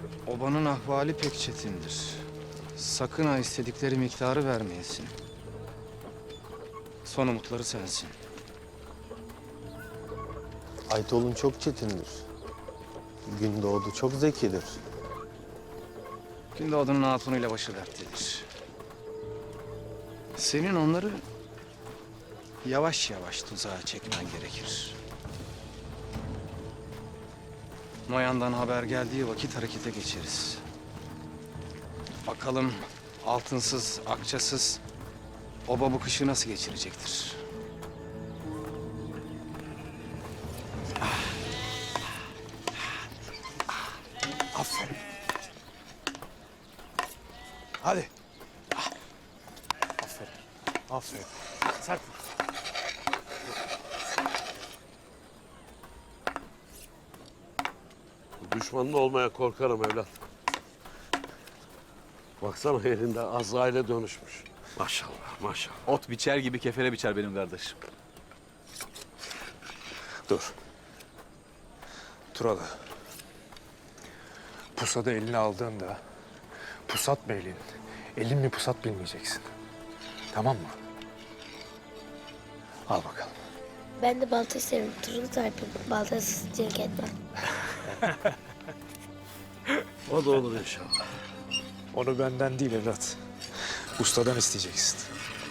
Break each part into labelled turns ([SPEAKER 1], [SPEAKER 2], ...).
[SPEAKER 1] Obanın ahvali pek çetindir. Sakın ha istedikleri miktarı vermeyesin. Son umutları sensin.
[SPEAKER 2] Aytol'un çok çetindir. Gündoğdu çok zekidir.
[SPEAKER 1] Gündoğdu'nun hatunuyla başı dertlidir. Senin onları yavaş yavaş tuzağa çekmen gerekir. Noyan'dan haber geldiği vakit harekete geçeriz. Bakalım altınsız, akçasız oba bu kışı nasıl geçirecektir?
[SPEAKER 3] Aferin. Hadi. Aferin. Aferin. Sert vur.
[SPEAKER 4] Düşmanın olmaya korkarım evlat. Baksana elinde Azrail'e dönüşmüş. Maşallah, maşallah.
[SPEAKER 5] Ot biçer gibi kefere biçer benim kardeşim.
[SPEAKER 3] Dur. Turalı. Pusadı eline aldığında pusat beyliğin elin mi pusat bilmeyeceksin. Tamam mı? Al bakalım.
[SPEAKER 6] Ben de balta isterim. Turuncu tarifim. Baltasız cırk etmem.
[SPEAKER 4] O da olur inşallah.
[SPEAKER 3] Onu benden değil evlat. Ustadan isteyeceksin.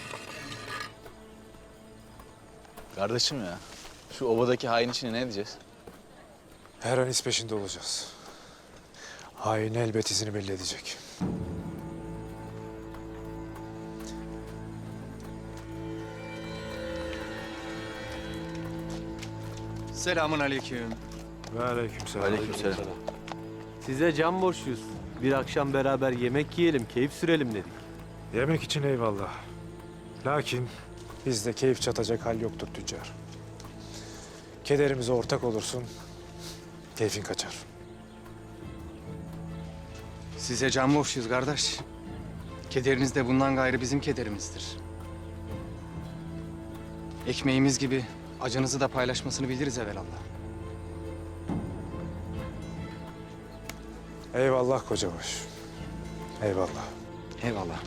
[SPEAKER 5] Kardeşim ya, şu ovadaki hain işine ne diyeceğiz?
[SPEAKER 3] Her an iz peşinde olacağız. Hain elbet izini belli edecek.
[SPEAKER 1] Selamun aleyküm.
[SPEAKER 3] Ve aleykümselam.
[SPEAKER 5] Aleykümselam.
[SPEAKER 7] Size can borçluyuz. Bir akşam beraber yemek yiyelim, keyif sürelim dedik.
[SPEAKER 3] Yemek için eyvallah. Lakin bizde keyif çatacak hal yoktur tüccar. Kederimize ortak olursun, keyfin kaçar.
[SPEAKER 1] Size can borçluyuz kardeş. Kederiniz de bundan gayrı bizim kederimizdir. Ekmeğimiz gibi acınızı da paylaşmasını biliriz evelallah.
[SPEAKER 3] Eyvallah kocabaş. Eyvallah.
[SPEAKER 1] Eyvallah.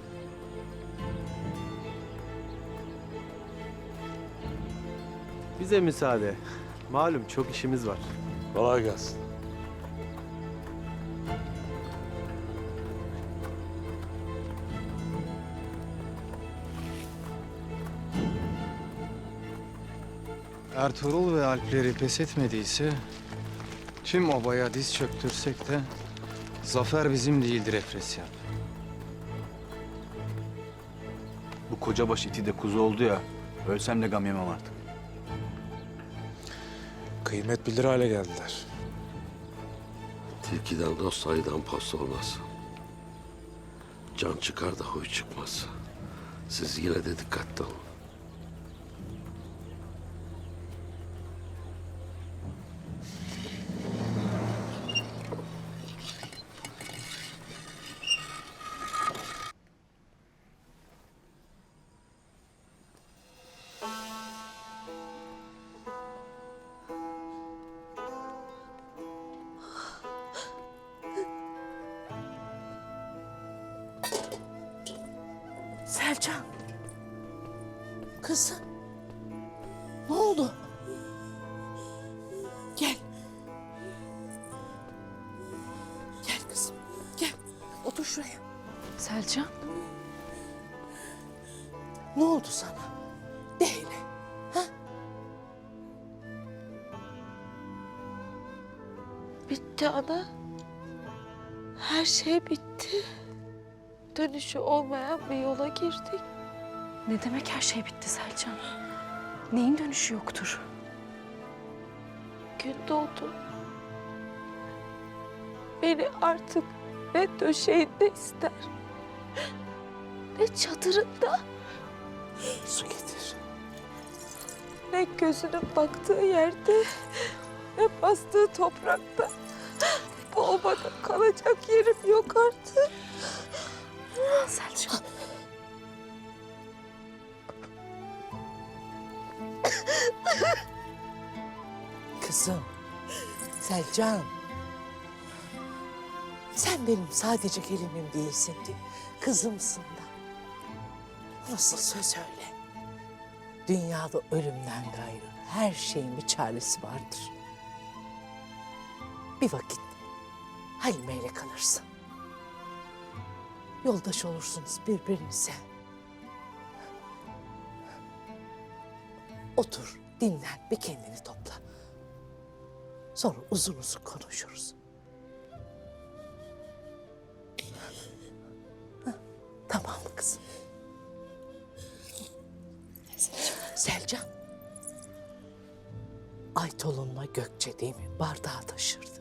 [SPEAKER 7] Bize müsaade. Malum çok işimiz var.
[SPEAKER 4] Kolay gelsin.
[SPEAKER 1] Ertuğrul ve Alpleri pes etmediyse tüm obaya diz çöktürsek de zafer bizim değildir Efresyan.
[SPEAKER 5] Bu kocabaş iti de kuzu oldu ya, ölsem de gam yemem artık.
[SPEAKER 3] Kıymet bilir hale geldiler.
[SPEAKER 4] Tilkiden dost ayıdan post olmaz. Can çıkar da huy çıkmaz. Siz yine de dikkatli olun.
[SPEAKER 8] Selcan. Kızım. Ne oldu? Gel. Gel kızım. Gel. Otur şuraya.
[SPEAKER 9] Selcan,
[SPEAKER 8] Ne oldu sana? De hele. Ha?
[SPEAKER 9] bitti ana. Her şey bitti. Dönüşü olmayan bir yola girdik.
[SPEAKER 10] Ne demek her şey bitti Selcan? Neyin dönüşü yoktur?
[SPEAKER 9] Gün doğdu. Beni artık ne döşeğinde ister, ne çadırında,
[SPEAKER 8] Su getir.
[SPEAKER 9] ne gözünün baktığı yerde, ne bastığı toprakta. Bu obada kalacak yerim yok artık.
[SPEAKER 10] Selcan.
[SPEAKER 8] Kızım. Selcan. Sen benim sadece gelinim değilsin ki, kızımsın da. Nasıl söz öyle? Dünyada ölümden gayrı her şeyin bir çaresi vardır. Bir vakit Halime ile kalırsın. Yoldaş olursunuz birbirinize. Otur, dinlen, bir kendini topla. Sonra uzun uzun konuşuruz. Hah, tamam mı kızım? Selcan. Aytolun'la Gökçe değil mi? Bardağı taşırdı.